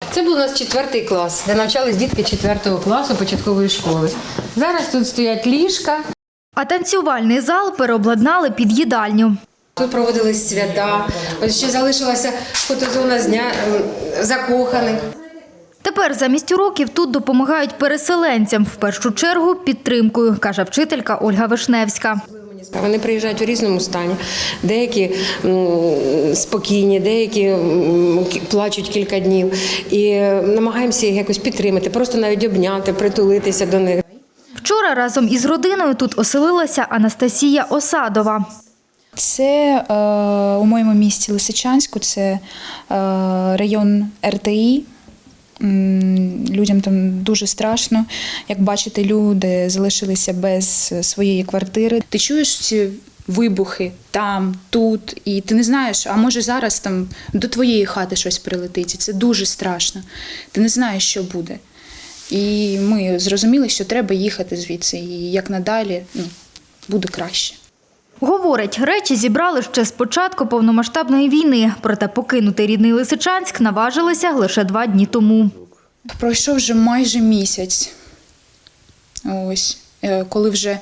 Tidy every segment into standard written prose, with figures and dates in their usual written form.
Це був у нас 4 клас, де навчались дітки 4 класу початкової школи. Зараз тут стоять ліжка. А танцювальний зал переобладнали під їдальню. Тут проводились свята. Ось ще залишилася фотозона з дня закоханих. Тепер замість уроків тут допомагають переселенцям, в першу чергу підтримкою, каже вчителька Ольга Вишневська. Вони приїжджають у різному стані. Деякі спокійні, деякі плачуть кілька днів. І намагаємося їх якось підтримати, просто навіть обняти, притулитися до них. Вчора разом із родиною тут оселилася Анастасія Осадова. Це у моєму місті Лисичанську, це район РТІ. Людям там дуже страшно. Як бачите, люди залишилися без своєї квартири. Ти чуєш ці вибухи там, тут, і ти не знаєш, а може зараз там до твоєї хати щось прилетить. І це дуже страшно. Ти не знаєш, що буде. І ми зрозуміли, що треба їхати звідси, і як надалі буде краще. Говорить, речі зібрали ще з початку повномасштабної війни, проте покинути рідний Лисичанськ наважилися лише 2 дні тому. Пройшов вже майже місяць, ось, коли вже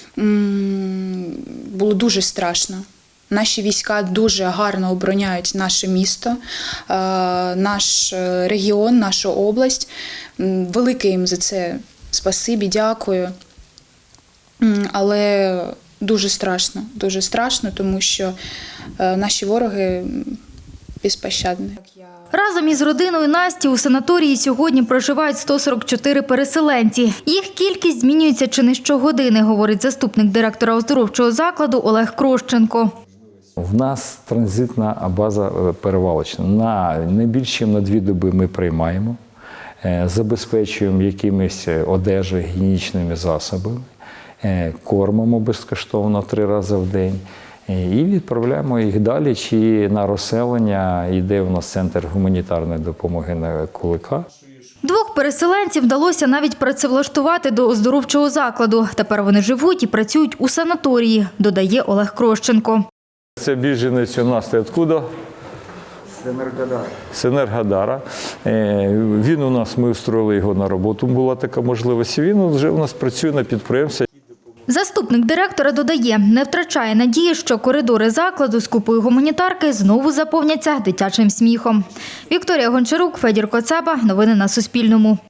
було дуже страшно. Наші війська дуже гарно обороняють наше місто, наш регіон, нашу область. Велике їм за це спасибі, дякую. Але дуже страшно, тому що наші вороги безпощадні. Разом із родиною Насті у санаторії сьогодні проживають 144 переселенці. Їх кількість змінюється чи не щогодини, говорить заступник директора оздоровчого закладу Олег Крощенко. В нас транзитна база перевалочна. Не більше, ніж на 2 доби ми приймаємо, забезпечуємо якимись одежею, гігієнічними засобами, кормимо безкоштовно 3 рази в день і відправляємо їх далі, чи на розселення. Йде у нас центр гуманітарної допомоги на Кулика. 2 переселенців вдалося навіть працевлаштувати до оздоровчого закладу. Тепер вони живуть і працюють у санаторії, додає Олег Крощенко. Це біженець у нас откуда? З Енергодара. Він у нас, ми устроїли його на роботу, була така можливість. Він вже у нас працює на підприємстві. Заступник директора додає, не втрачає надії, що коридори закладу з купою гуманітарки знову заповняться дитячим сміхом. Вікторія Гончарук, Федір Коцаба. Новини на Суспільному.